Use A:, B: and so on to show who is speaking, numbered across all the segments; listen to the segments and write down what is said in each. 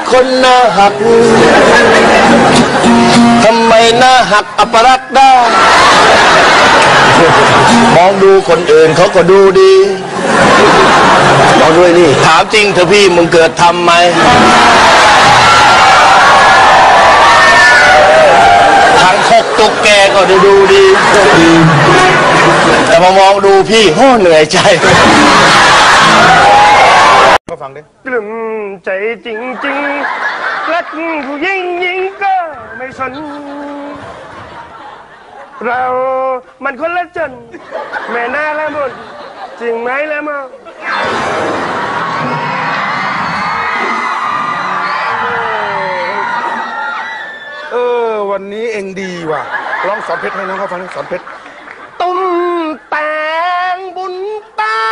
A: คนหน้าหักทำไมหน้าหักอัปรักษ์ได้มองดูคนอื่นเขาก็ดูดีมองด้วยนี่ถามจริงเถอะพี่มึงเกิดทำไหมทางคกตุกแกก็ดูดีแต่มามองดูพี่โหเหนื่อยใจก็ฟังดิกลุ่มใจจริงๆรักผู้หญิงยิงก็ไม่สนเรามันคนละจนแม่น่าละหมดจริงไหมละมั้ง
B: วันนี้เองดีว่ะร้องสอนเพชรให้น้องเขาฟังสอนเพชร
A: ตุ้มแตงบุญตา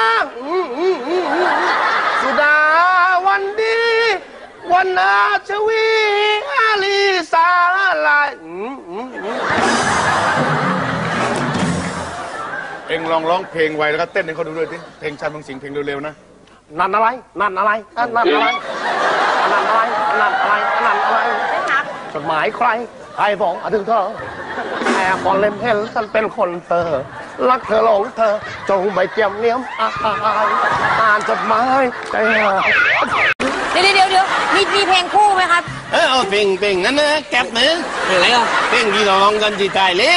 A: สุดาวันดีวันอาชวีอาลีสาลาย
B: เองลองร้องเพลงไวแล้วก็เต้นให้เขาดูด้วยสิเพลงชาญเมืองสิงห์เพลงเร็วๆนะ
A: นั่นอะไรนั่นอะไรนั่นอะไรนั่นอะไรนั่นอะไรนั่นอะไรจดหมายใครใครบอกถึงเธอแอบมองเล่มเห็นฉันเป็นคนเธอรักเธอหลงเธอจงไม่เจียมเนียมอ่านจดหมายใจหาย
C: เดี๋ยวมีเพลงคู่ไหมครับ
A: เอาเพลงนั้นนะแก็บนะเพลงอะไรอ่ะเพลงที่ร้องกันที่ใจเล่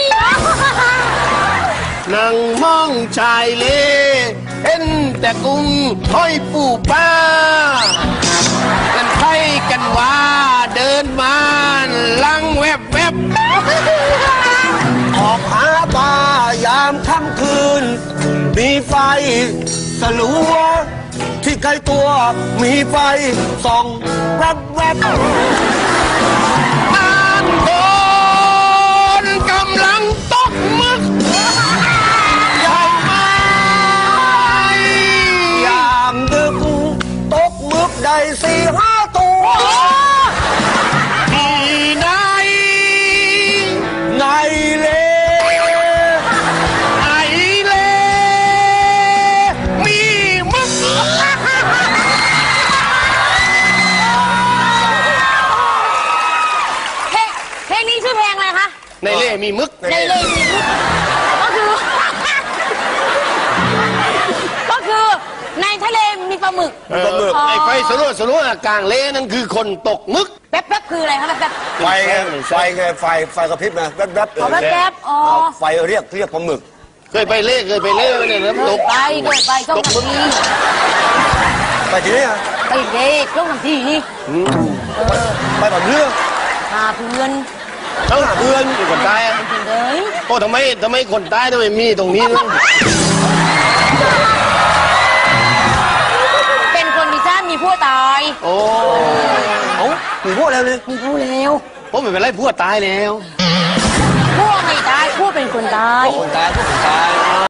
A: นั่งมองชายเล่เห็นแต่กุ้งห้อยปูป้ากันไทยกันว่าเดินมาลังแวบออกหาปลายามค่ำคืนมีไฟสลัวที่ใกล้ตัวมีไฟส่องแวบบ้านคนกำลังตกมึกใหญ่ไหมยามดึกตกมึกได้4-5 ตัวที่ไหนไงเลมีมึก
C: เพลงนี้ชื่อเพลงอะไรคะ
A: ในเล่มีมึก
C: ในเล่มีมึกก็คือในทะเลมีปลาหมึก
A: ไอ้ไฟสลัวกลางเล่นั่นคือคนตกมึก
C: แป๊บคืออะไรครับแป๊บ
B: ไฟไฟกระพริบนะแป๊บ
C: แป๊บ
B: ไฟเรียกปลาหมึก
A: เคยไปเล่เนี่ยน้ำตก
C: ไปช่องน้ำที
B: ไปที่นี่
C: ไปเด็กช่องน้ำทีนี่
B: ไปแบบเรื่อง
C: หาเพื่อน
A: อยู่คนตายโอ้ทำไมคนตายทำไมมีตรงนี้
C: เป็นคนมีชาติมีผัวตาย
A: โอ้
B: มีผัวแล้วเลย
C: มีผัวแล้ว
A: ผมไม่เป็นไรผัวตายแล้ว
C: ผัวไม่ตายผัวเป็นคนตาย